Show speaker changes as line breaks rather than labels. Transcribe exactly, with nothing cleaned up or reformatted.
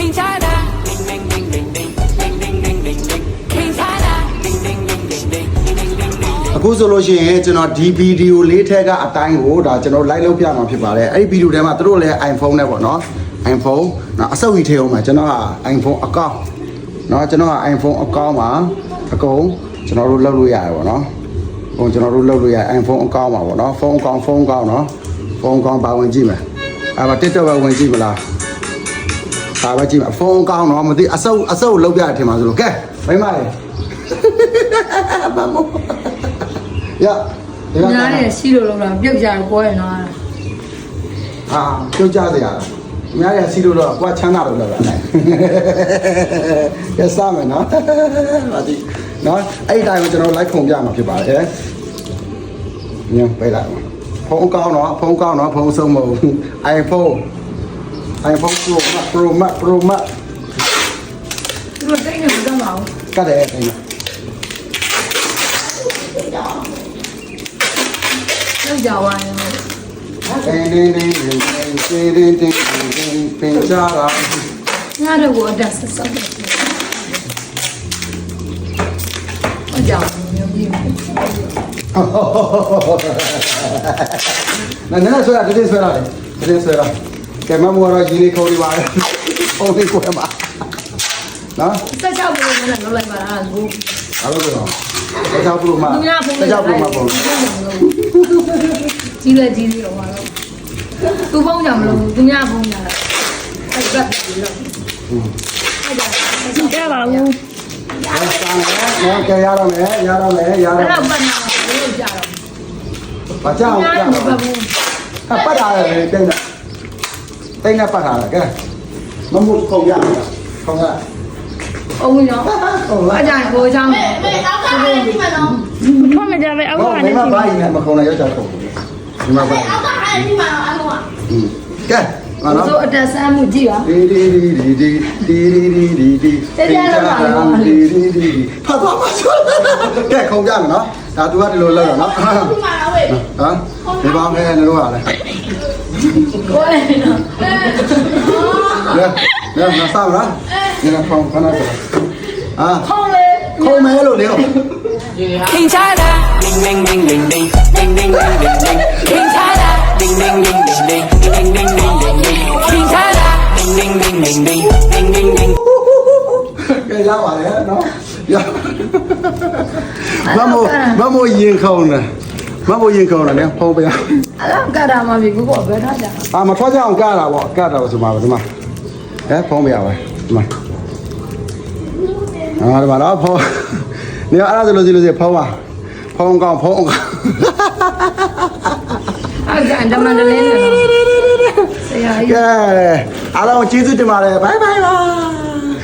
King China ding ding ding ding ding ding ding ding ding ding King China ding ding ding ding ding ding ding ding အခုဆိုလို့ရှိရင်ကျွန်တော်ဒီဗီဒီယိုလေးထက်ကအတိုင်းကိုဒါကျွန်တော် live လုပ်ပြမှာဖြစ်ပါတယ်အဲ့ဒီဗီဒီယိုထဲမှာသူတို့လည်း iPhone နဲ့ပေါ့နော် iPhone နော်အစုပ်ကြီးထဲအောင်မှာကျွန်တော်က iPhone အကောင့်နော်ကျွန်တော်က iPhone အကောင့်မှာအကုန်ကျွန်တော်တို့လုပ်လို့ရတယ်ပေါ့နော်ဟိုကျွန်တော်တို့လုပ်လို့ရ iPhone အကောင့်မှာပေါ့နော်ဖုန်းအကောင့်ဖုန်းအကောင့်နော်ဖုန်းအကောင့်ပါဝင်ကြည့်မယ်အဲ့မှာ TikTok ပဲဝင်ကြည့်မလားဒါပဲကြည့်မယ်ဖုန်းအကောင့်နော်မသိအစုပ်အစုပ်လုပ်ပြရထင်ပါဆိုလို့ကဲမိမလေးမမရ
ညားရဲ့ရှိလို့လောက်တာပြုတ်ကြတယ်ပွဲရနော်
ဟာပြုတ်ကြစရာအများကြီးစီလို့တော့ကိုကချမ်းသာလို့လောက်တာကဲစားမယ်နော်ဟာဒီနော်အဲ့ဒီတိုင်းကိုကျွန်တော်လိုက်ခုံပြမှာဖြစ်ပါတယ်ညပေးလိုက်ဖုန်းကောင်းတော့ဖုန်းကောင်းတော့ဖုန်းဆုံးမဟုတ် iPhone iPhone Pro Max Pro Max Pro Max
ဒီလိုတိုင်းနေမတော့ပါဘူး
ကတ်တယ်အဲ့ဒါ
လောက်ကြပါရင်
တင်းတင်းတင်းတင်းတင်းတင်းတင်းတင်းပင်ကြတာ
ညတော့ကိုအတက်ဆက်ဆက်တယ်အကြောင်းမျိုးကြီး
နာနာဆွဲတာတင်းဆွဲတာလေတင်းဆွဲတာကဲမမောရကြီးလေးခေါ်နေပါလေဟိုလေးကိုမှာနော်
ဆက်ချောက်လို့လည်းလောက်လိုက်ပါလားကို
အားလုံးတော့ဆက်ချောက်လို့မှာဆက်ချောက်လို့မှာပေါ့
ကြီးလက်ကြီးလေးတော့မှာတော့သူဖုန်းကြောင်မလို့သူများဖုန်းညာအဲ့ဒါပြီးတော့အဲ့ဒါကြည့်ကြပါဦး
နော်ကဲရတော့မယ်ရတော့မယ်ရတော့
အဲ့တော့ပတ်နေလို့ကြတော့
ဘာကြောက်ကြောက်အပတ်တာလေတိတ်နေတိတ်နေပတ်တာလေကဲမမှုခုံရခုံရ
အောင်ရောအကြိုင်ကိုအကြောင်း
မေမေအောက်ကအဲ့ဒီမှာနော်
ထွက်မကြပဲအောက်က
လည်းမဘာရင်မခုံရရောက်ကြခုံဒီမှာပါ
အောက်ကအဲ့ဒီမှာနော်အလုံးက
ကဲငါနော်
ဆိုအတက်ဆန်းမှုကြည့်ပါ
ဒီဒီဒီဒီဒီဒီဒီဒီဒီဒီဒီဒီဖတ်ပါမဆိုကဲခုံကြမယ်နော်ဒါသူကဒီလိုလောက်တော့နော်
ဒီမှာနော်ဝေး
ဟမ်ဒီပါမယ်လို့ဟာလေ
ကိုယ်နော်
လေလေမစားလားဒီကခုံခဏတော့အာ
ခေါင်းလေ
ခုံမဲလို့လေ King China ding ding ding ding ding ding ding ding ding ding King China ding ding ding ding ding ding ding ding ding ding King China ding ding ding ding ding ding ding ding ကဲရပါလေနော်ရမမို့မမို့ရင်ခုံတယ်မမို့ရင်ခုံတယ်လေဖုံးပြ
အဲ့ဒါကတာမှာပြီကိုကဘယ်ထားကြ
အာမထွက်ကြအောင်ကတာပေါ့ကတာဆိုမှာဒီမှာဟဲ့ဖုံးပြပါဒီမှာအာဒီမှာတော့ဖုံးနေအဲ့ဒါဆိုလို့စီလို့စီဖုံးပါဖုံးကောင်းဖုံးကောင်း
အဲ့ဒါအန်တမန်တလင်းနော်ဆရာကြီး
ကဲအားလုံးကျေးဇူးတင်ပါတယ်ဘိုင်ဘိုင်ပါ